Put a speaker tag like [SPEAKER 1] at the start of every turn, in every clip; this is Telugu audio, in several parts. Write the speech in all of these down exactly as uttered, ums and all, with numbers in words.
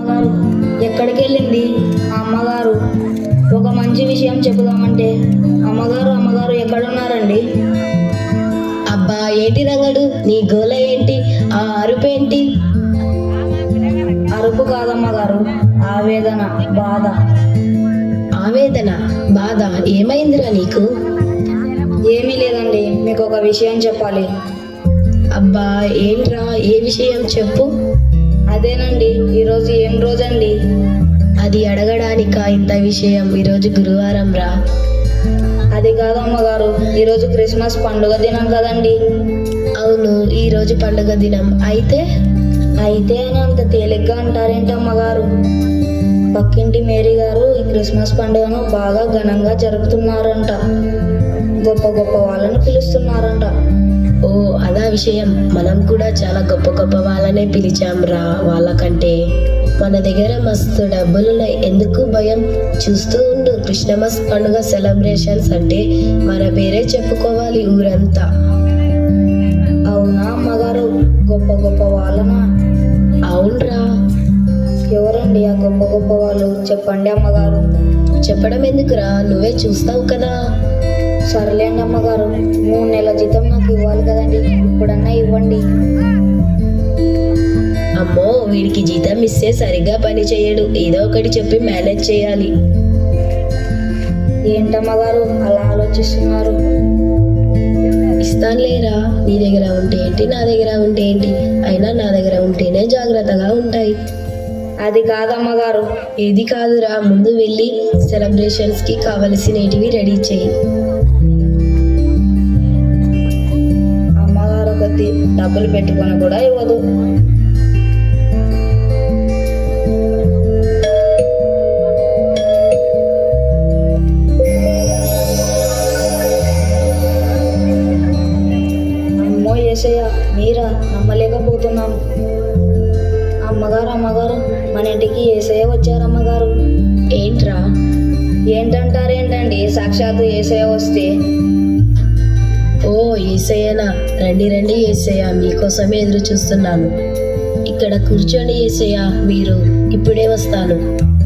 [SPEAKER 1] అమ్మగారు ఎక్కడికి వెళ్ళింది ఆ అమ్మగారు? ఒక మంచి విషయం చెబుదామంటే అమ్మగారు అమ్మగారు ఎక్కడున్నారండి?
[SPEAKER 2] అబ్బా ఏంటి రంగడు, నీ గోల ఏంటి? ఆ అరుపేంటి?
[SPEAKER 1] అరుపు కాదమ్మగారు, ఆవేదన, బాధ.
[SPEAKER 2] ఆవేదన, బాధ? ఏమైందిరా నీకు?
[SPEAKER 1] ఏమీ లేదండి, మీకు ఒక విషయం చెప్పాలి.
[SPEAKER 2] అబ్బా ఏంట్రా, ఏ విషయం చెప్పు.
[SPEAKER 1] అదేనండి, ఈరోజు ఏం రోజండి?
[SPEAKER 2] అది అడగడానికా ఇంత విషయం? ఈరోజు గురువారం రా.
[SPEAKER 1] అది కాదమ్మగారు, ఈరోజు క్రిస్మస్ పండుగ దినం కదండి.
[SPEAKER 2] అవును, ఈరోజు పండుగ దినం. అయితే
[SPEAKER 1] అయితే అని అంత తేలిగ్గా అంటారేంటి అమ్మగారు? పక్కింటి మేరీ గారు ఈ క్రిస్మస్ పండుగను బాగా ఘనంగా జరుపుతున్నారంట. గొప్ప గొప్ప వాళ్ళని పిలుస్తున్నారంట.
[SPEAKER 2] ఓ అదా విషయం. మనం కూడా చాలా గొప్ప గొప్ప వాళ్ళనే పిలిచాం రా. వాళ్ళకంటే మన దగ్గర మస్తు డబ్బులున్నాయి. ఎందుకు భయం? చూస్తూ ఉండు, క్రిస్మస్ పండుగ సెలబ్రేషన్స్ అంటే మన పేరే చెప్పుకోవాలి ఊరంతా.
[SPEAKER 1] అవునా అమ్మగారు, గొప్ప గొప్ప వాళ్ళనా?
[SPEAKER 2] అవునరా.
[SPEAKER 1] ఎవరండి ఆ గొప్ప గొప్ప వాళ్ళు? చెప్పండి అమ్మగారు.
[SPEAKER 2] చెప్పడం ఎందుకురా, నువ్వే చూస్తావు కదా.
[SPEAKER 1] సర్లేండి అమ్మగారు, మూడు నెలల జీతం నాకు ఇవ్వాలి కదండి, ఇప్పుడన్నా ఇవ్వండి.
[SPEAKER 2] అమ్మో, వీడికి జీతం ఇస్తే సరిగ్గా పని చేయడు. ఏదో ఒకటి చెప్పి మేనేజ్ చేయాలి.
[SPEAKER 1] ఏంటమ్మగారు అలా ఆలోచిస్తున్నారు?
[SPEAKER 2] ఇస్తానులేరా, నీ దగ్గర ఉంటే ఏంటి, నా దగ్గర ఉంటే ఏంటి? అయినా నా దగ్గర ఉంటేనే జాగ్రత్తగా ఉంటాయి.
[SPEAKER 1] అది కాదమ్మగారు.
[SPEAKER 2] ఏది కాదురా, ముందు వెళ్ళి సెలబ్రేషన్స్ కి కావలసినవి రెడీ చేయి.
[SPEAKER 1] అమ్మగారు కొద్ది డబ్బులు పెట్టుకొని కూడా ఇవ్వదు. అమ్మో యేసయ్య, మీరా? నమ్మలేకపోతున్నాను. అమ్మగారు అమ్మగారు మన ఇంటికి యేసయ్య వచ్చారమ్మగారు.
[SPEAKER 2] ఏంట్రా?
[SPEAKER 1] ఏంటంటారేంటండి, సాక్షాత్తు యేసయ్య వస్తే.
[SPEAKER 2] ఓ యేసయ్యనా, రండి రండి యేసయ్య, మీకోసమే ఎదురు చూస్తున్నాను. ఇక్కడ కూర్చోండి యేసయ్య, మీరు ఇప్పుడే వస్తాను.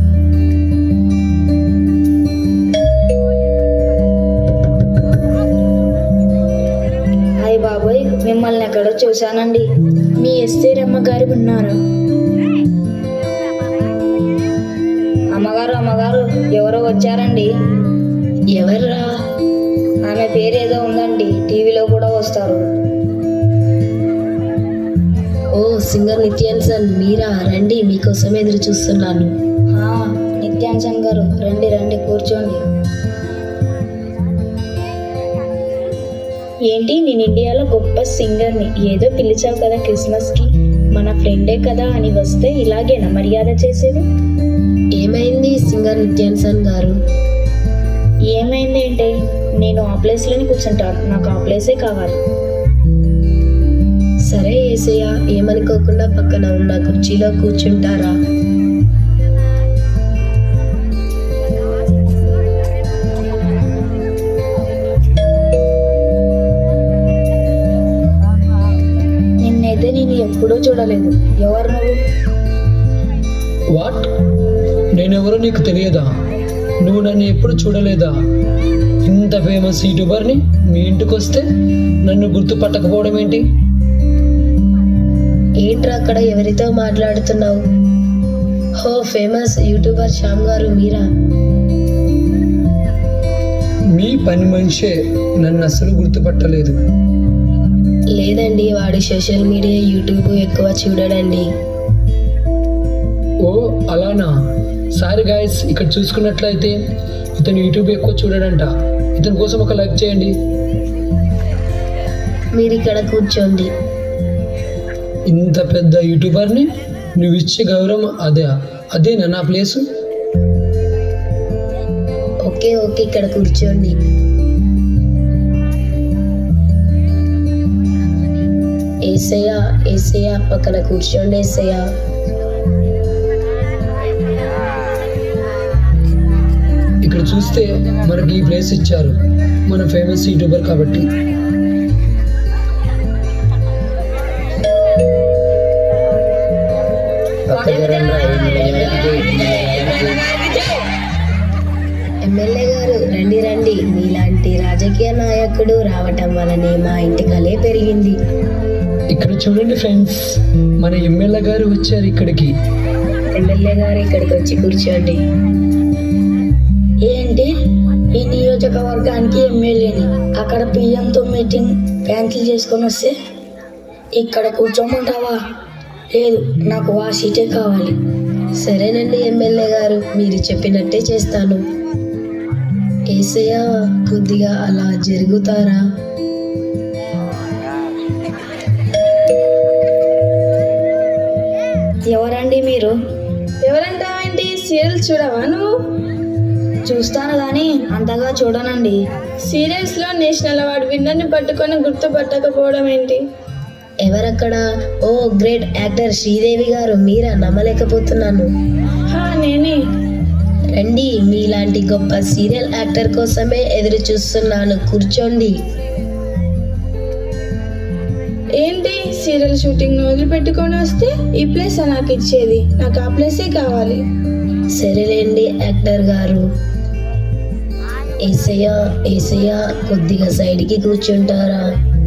[SPEAKER 1] అయ్య బాబోయ్, మిమ్మల్ని ఎక్కడో చూశానండి.
[SPEAKER 2] మీ ఎస్తేర్ అమ్మగారు ఉన్నారా?
[SPEAKER 1] అమ్మగారు అమ్మగారు ఎవరో వచ్చారండి.
[SPEAKER 2] ఎవర్రా?
[SPEAKER 1] ఆమె పేరు ఏదో ఉందండి, టీవీలో కూడా వస్తారు.
[SPEAKER 2] ఓ సింగర్ నిత్యాన్సన్, మీరా? రండి, మీకోసం ఎదురు చూస్తున్నాను.
[SPEAKER 1] హా, నిత్యాన్సన్ గారు రండి రండి, కూర్చోండి.
[SPEAKER 3] ఏంటి, నేను ఇండియాలో గొప్ప సింగర్ని, ఏదో పిలిచావు కదా క్రిస్మస్కి, మన ఫ్రెండే కదా అని వస్తే ఇలాగేనా మర్యాద చేసేది?
[SPEAKER 2] ఏమైంది సింగర్ నిత్యాన్సన్ గారు?
[SPEAKER 3] ఏమైంది ఏంటి, నేను ఆ ప్లేస్లోనే కూర్చుంటాను, నాకు ఆ ప్లేసే కావాలి.
[SPEAKER 2] సరే యేసయ్య, ఏమనుకోకుండా పక్కన ఉన్న కుర్చీలో కూర్చుంటారా?
[SPEAKER 1] నిన్నైతే నేను ఎప్పుడూ చూడలేదు. ఎవరు నువ్వు?
[SPEAKER 4] వాట్? నేనెవరో నీకు తెలియదా? నువ్వు నన్ను ఎప్పుడు చూడలేదా? ఇంత ఫేమస్ యూట్యూబర్ని మీ ఇంటికి వస్తే నన్ను గుర్తుపట్టకపోవడం ఏంటి?
[SPEAKER 2] ఏంట్రా అక్కడ ఎవరితో మాట్లాడుతున్నావు? హో, ఫేమస్ యూట్యూబర్ శ్యామ్ గారు మీరా?
[SPEAKER 4] మీ పని మనిషే నన్ను అసలు గుర్తుపట్టలేదు.
[SPEAKER 2] లేదండి, వాడు సోషల్ మీడియా యూట్యూబ్ ఎక్కువ చూడడండి.
[SPEAKER 4] ఓ అలానా? సారీ గాయస్, ఇక్కడ చూసుకున్నట్లయితే ఇతను యూట్యూబ్ ఎక్కువ చూడడంట. ఇతని కోసం ఒక లైక్ చేయండి.
[SPEAKER 2] మీరు ఇక్కడ కూర్చోండి.
[SPEAKER 4] ఇంత పెద్ద యూట్యూబర్ని నువ్వు ఇచ్చే గౌరవం అదే అదేనా నా ప్లేసు?
[SPEAKER 2] ఓకే ఓకే, ఇక్కడ కూర్చోండి. ఏసయ్య ఏసయ్య, పక్కన కూర్చోండి ఏసయ్య.
[SPEAKER 4] ఇక్కడ చూస్తే మనకి ఈ ప్లేస్ ఇచ్చారు, మన ఫేమస్ యూట్యూబర్ కాబట్టి.
[SPEAKER 2] పక్కన రండి. ఎమ్మెల్యే గారు రండి రండి, మీలాంటి రాజకీయ నాయకుడు రావటం వల్లనే మా ఇంటి కలే పెరిగింది.
[SPEAKER 4] ఇక్కడ చూడండి ఫ్రెండ్స్, మన ఎమ్మెల్యే గారు వచ్చారు ఇక్కడికి.
[SPEAKER 2] ఎమ్మెల్యే గారు ఇక్కడికి వచ్చి కూర్చోండి.
[SPEAKER 1] ఏంటి ఈ నియోజకవర్గానికి ఎమ్మెల్యేని అక్కడ పిఎంతో మీటింగ్ క్యాన్సిల్ చేసుకొని వస్తే ఇక్కడ కూర్చోమంటావా? లేదు, నాకు ఆ సీటే కావాలి.
[SPEAKER 2] సరేనండి ఎమ్మెల్యే గారు, మీరు చెప్పినట్టే చేస్తాను. ఏసయ్య, కొద్దిగా అలా జరుగుతారా?
[SPEAKER 1] ఎవరండి మీరు?
[SPEAKER 3] ఎవరంటావేంటి? సీరియల్ చూడవా నువ్వు?
[SPEAKER 1] చూస్తాను కానీ అంతగా చూడనండి.
[SPEAKER 3] సీరియల్స్ లో నేషనల్ అవార్డు విన్నర్ని పట్టుకొని గుర్తుపట్టకపోవడం ఏంటి?
[SPEAKER 2] ఎవరక్కడ? ఓ గ్రేట్ యాక్టర్ శ్రీదేవి గారు, మీరా? నమ్మలేకపోతున్నాను.
[SPEAKER 3] హా, నేనే.
[SPEAKER 2] రండి, మీలాంటి గొప్ప సీరియల్ యాక్టర్ కోసమే ఎదురు చూస్తున్నాను. కూర్చోండి.
[SPEAKER 3] ఏంటి సీరియల్ షూటింగ్ వదిలిపెట్టుకొని వస్తే ఈ ప్లేస్ నాకు ఇచ్చేది? నాకు ఆ ప్లేసే కావాలి.
[SPEAKER 2] సరేలేండి యాక్టర్ గారు. ఏసయ్య ఏసయ్య, కొద్దిగా సైడ్కి కూర్చుంటారా?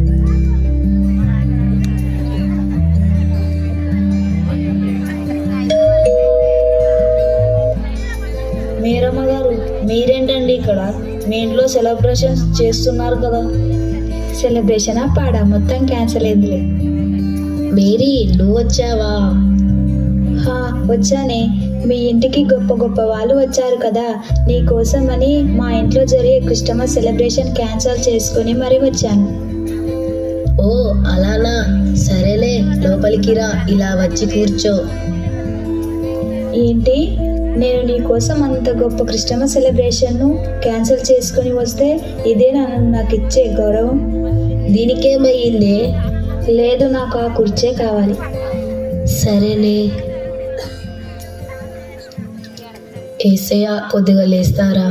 [SPEAKER 1] మీరమ్మ గారు, మీరేంటండి ఇక్కడ? మీ ఇంట్లో సెలబ్రేషన్స్ చేస్తున్నారు కదా?
[SPEAKER 3] సెలబ్రేషనా పాడా? మొత్తం క్యాన్సిల్ అయిందిలే.
[SPEAKER 2] మేరీ, నువ్వు వచ్చావా?
[SPEAKER 3] హా, వచ్చానే. మీ ఇంటికి గొప్ప గొప్ప వాళ్ళు వచ్చారు కదా, నీ కోసం అని మా ఇంట్లో జరిగే క్రిస్టమస్ సెలబ్రేషన్ క్యాన్సిల్ చేసుకుని మరి వచ్చాను.
[SPEAKER 2] ఓ అలానా? సరేలే, లోపలికి రా, ఇలా వచ్చి కూర్చో.
[SPEAKER 3] ఏంటి, నేను నీ కోసం అంత గొప్ప క్రిస్టమస్ సెలబ్రేషన్ను క్యాన్సిల్ చేసుకుని వస్తే ఇదే నన్ను నాకు ఇచ్చే గౌరవం?
[SPEAKER 2] దీనికేమయ్యిందే?
[SPEAKER 3] లేదు, నాకు ఆ కుర్చే కావాలి.
[SPEAKER 2] సరేనే. ఏసయ్య, కొద్దిగా లేస్తారా?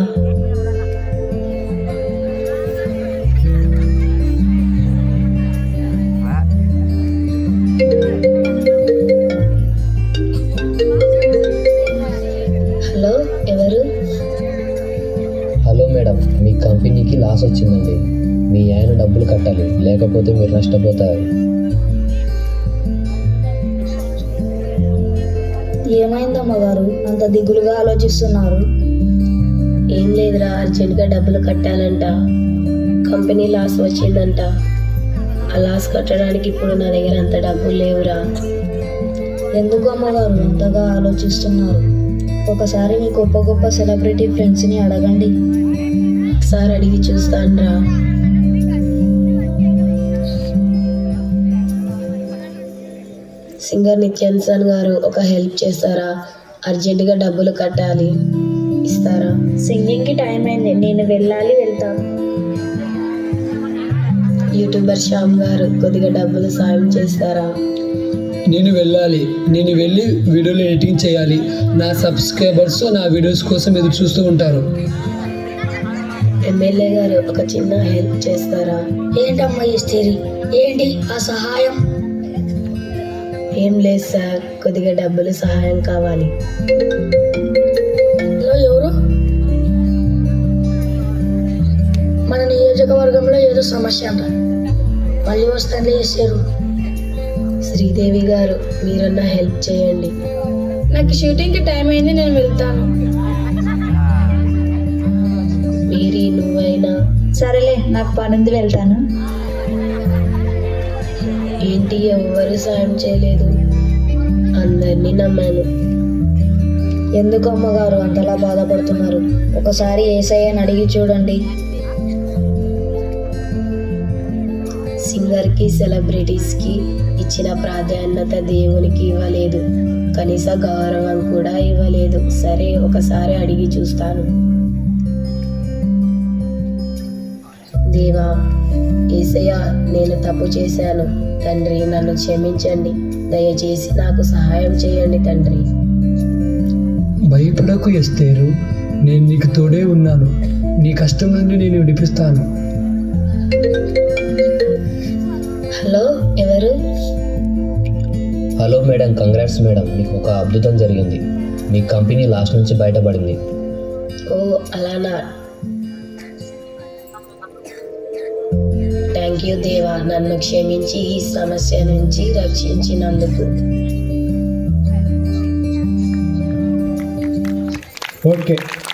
[SPEAKER 2] హలో, ఎవరు?
[SPEAKER 5] హలో మేడం, మీ కంపెనీకి లాస్ వచ్చిందండి. మీ ఆయన డబ్బులు కట్టాలి, లేకపోతే మీరు నష్టపోతారు.
[SPEAKER 1] ఏమైందమ్మ గారు అంత దిగులుగా ఆలోచిస్తున్నారు?
[SPEAKER 2] ఏం లేదురా, అర్జెంట్గా డబ్బులు కట్టాలంట. కంపెనీ లాస్ వచ్చిందంట. ఆ లాస్ కట్టడానికి ఇప్పుడు నా దగ్గర అంత డబ్బులు లేవురా.
[SPEAKER 1] ఎందుకు అమ్మగారు అంతగా ఆలోచిస్తున్నారు? ఒకసారి మీ గొప్ప గొప్ప సెలబ్రిటీ ఫ్రెండ్స్ని అడగండి.
[SPEAKER 2] ఒకసారి అడిగి చూస్తానురా. సింగర్ నిత్యాన్సన్ గారు, ఒక హెల్ప్ చేస్తారా? అర్జెంటుగా డబ్బులు కట్టాలి, ఇస్తారా?
[SPEAKER 3] సింగింగ్కి టైం అయింది, నేను వెళ్ళాలి, వెళ్తాను.
[SPEAKER 2] యూట్యూబర్ శ్యామ్ గారు, కొద్దిగా డబ్బులు సాయం చేస్తారా?
[SPEAKER 4] నేను వెళ్ళాలి, నేను వెళ్ళి వీడియోలు ఎడిటింగ్ చేయాలి. నా సబ్స్క్రైబర్స్ నా వీడియోస్ కోసం ఎదురు చూస్తూ ఉంటారు.
[SPEAKER 2] ఎమ్మెల్యే గారు, ఒక చిన్న హెల్ప్ చేస్తారా?
[SPEAKER 1] ఏంటమ్మా ఈ స్టేరీ? ఏంటి ఆ సహాయం?
[SPEAKER 2] ఏం లేదు సార్, కొద్దిగా డబ్బులు సహాయం కావాలి.
[SPEAKER 1] హలో, ఎవరు? మన నియోజకవర్గంలో ఏదో సమస్య అంట, మళ్ళీ వస్తాను చేశారు.
[SPEAKER 2] శ్రీదేవి గారు, మీరన్నా హెల్ప్ చేయండి.
[SPEAKER 3] నాకు షూటింగ్కి టైం అయింది, నేను వెళ్తాను.
[SPEAKER 2] మీరీ, నువ్వైనా?
[SPEAKER 3] సరేలే, నాకు పనుంది, వెళ్తాను.
[SPEAKER 2] ఏంటి, ఎవ్వరు సాయం చేయలేదు? అందరినీ నమ్మాను.
[SPEAKER 1] ఎందుకు అమ్మగారు అంతలా బాధపడుతున్నారు? ఒకసారి ఏసయ్యని అడిగి చూడండి.
[SPEAKER 2] సింగర్కి, సెలబ్రిటీస్కి ఇచ్చిన ప్రాధాన్యత దేవునికి ఇవ్వలేదు, కనీస గౌరవం కూడా ఇవ్వలేదు. సరే, ఒకసారి అడిగి చూస్తాను. దేవా, యేసయ్య, నేను తప్పు చేశాను తండ్రి, నన్ను క్షమించండి. దయచేసి నాకు సహాయం చేయండి తండ్రి.
[SPEAKER 4] భయపడకు ఎస్తేరు, నేను నీకు తోడే ఉన్నాను. నీ కష్టం నుండి నేను విడిపిస్తాను.
[SPEAKER 2] హలో, ఎవరు?
[SPEAKER 5] హలో మేడం, కంగ్రాట్స్ మేడం, మీకు ఒక అద్భుతం జరిగింది. మీ కంపెనీ లాస్ట్ నుంచి బయటపడింది.
[SPEAKER 2] ఓ అలానా. థ్యాంక్ యూ దేవా, నన్ను క్షమించి ఈ సమస్య నుంచి రక్షించినందుకు.
[SPEAKER 6] ఓకే